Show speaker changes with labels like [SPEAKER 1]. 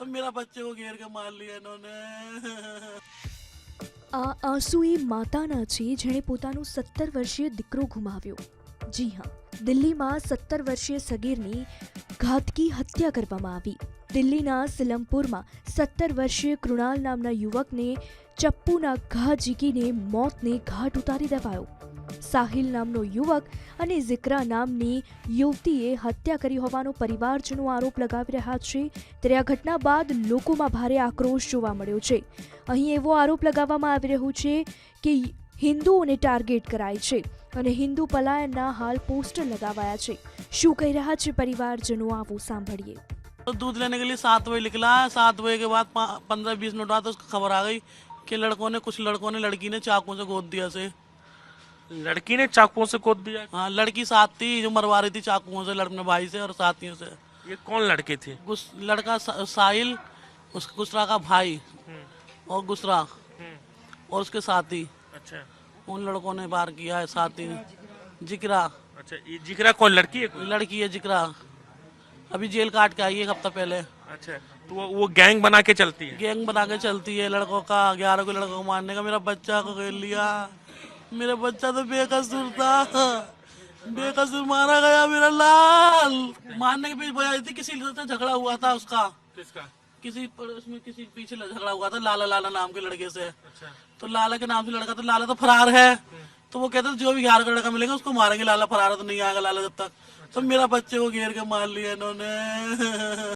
[SPEAKER 1] मेरा बच्चे को घेर के मार लिया इन्होंने।
[SPEAKER 2] આ આંસુ એ માતાના છે જેણે પોતાનો 17 વર્ષીય દીકરો ગુમાવ્યો. જી હા, દિલ્હીમાં 17 વર્ષીય સગીરની ઘાતકી હત્યા કરવામાં આવી. દિલ્હીના સિલમપુરમાં 17 વર્ષીય કૃણાલ નામના યુવકને ચપ્પુના ઘા ઝીકીને મોતને ઘાટ ઉતારી દેવાયો. સાહિલ નામનો યુવક અને ઝિક્રા નામની યુવતીએ હત્યા કરી હોવાનો પરિવારજનો આરોપ લગાવી રહ્યા છે. ત્યારે આ ઘટના બાદ લોકોમાં ભારે આક્રોશ જોવા મળ્યો છે. અહીં એવો આરોપ લગાવવામાં આવી રહ્યો છે કે હિન્દુઓને ટાર્ગેટ કરાય છે અને હિન્દુ પલાયનના હાલ પોસ્ટર લગાવાયા છે. શું કહી રહ્યા છે પરિવારજનો, આવો સાંભળીએ.
[SPEAKER 1] तो दूध लेने के लिए 7 बजे निकला. 7 बजे के बाद 15-20 मिनट बाद उसको खबर आ गई कि कुछ लड़कों ने लड़की ने चाकू से गोद दिया से.
[SPEAKER 3] लड़की ने चाकुओं से गोद दिया?
[SPEAKER 1] हाँ, लड़की साथ थी जो मरवा रही थी चाकुओं से अपने भाई से और साथियों से.
[SPEAKER 3] ये कौन लड़के थे?
[SPEAKER 1] लड़का साहिल, उसका गुस्रा का भाई और गुस्रा और उसके साथी.
[SPEAKER 3] अच्छा,
[SPEAKER 1] उन लड़कों ने वार किया है. साथी जिक्रा.
[SPEAKER 3] अच्छा, ये जिगरा कौन लड़की है?
[SPEAKER 1] लड़की है जिक्रा, अभी जेल काट के आई है एक हफ्ता पहले.
[SPEAKER 3] अच्छा, तो वो गैंग बना के चलती है?
[SPEAKER 1] गैंग बना के चलती है लड़कों का. 11 को लड़कों को मारने का. मेरा बच्चा को खेल लिया. मेरा बच्चा तो बेकसूर था, बेकसूर मारा गया. मेरा लाल मारने के पीछे वजह थी किसी से झगड़ा हुआ था उसका.
[SPEAKER 3] किसका?
[SPEAKER 1] किसी पीछे झगड़ा हुआ था लाला लाला नाम के लड़के से.
[SPEAKER 3] अच्छा,
[SPEAKER 1] तो लाला के नाम से लड़का, तो लाला तो फरार है. तो वो कहते जो भी 11 का लड़का मिलेगा उसको मारेंगे. लाला फरार है तो नहीं आएगा लाला जब तक. तो मेरा बच्चे को घेर के मार लिया इन्होंने.